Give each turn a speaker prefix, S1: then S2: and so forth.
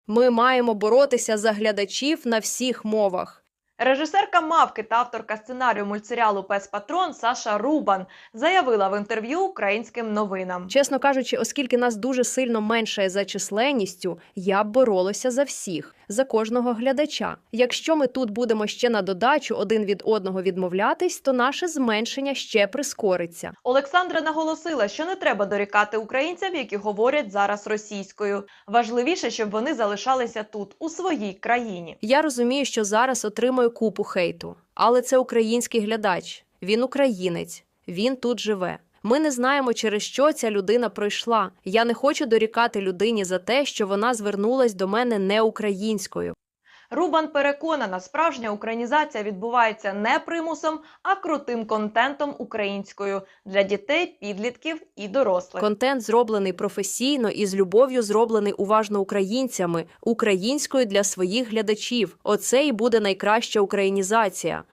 S1: Ми маємо боротися за глядачів на всіх мовах.
S2: Режисерка «Мавки» та авторка сценарію мультсеріалу «Пес Патрон» Саша Рубан заявила в інтерв'ю українським новинам.
S1: Чесно кажучи, оскільки нас дуже сильно менше за численністю, я б боролася за всіх, за кожного глядача. Якщо ми тут будемо ще на додачу один від одного відмовлятись, то наше зменшення ще прискориться.
S2: Олександра наголосила, що не треба дорікати українцям, які говорять зараз російською. Важливіше, щоб вони залишалися тут, у своїй країні.
S1: Я розумію, що зараз отримую купу хейту. Але це український глядач. Він українець. Він тут живе. Ми не знаємо, через що ця людина пройшла. Я не хочу дорікати людині за те, що вона звернулась до мене не українською.
S2: Рубан переконана, справжня українізація відбувається не примусом, а крутим контентом українською для дітей, підлітків і дорослих.
S1: Контент зроблений професійно і з любов'ю зроблений уважно українцями, українською для своїх глядачів. Оце і буде найкраща українізація.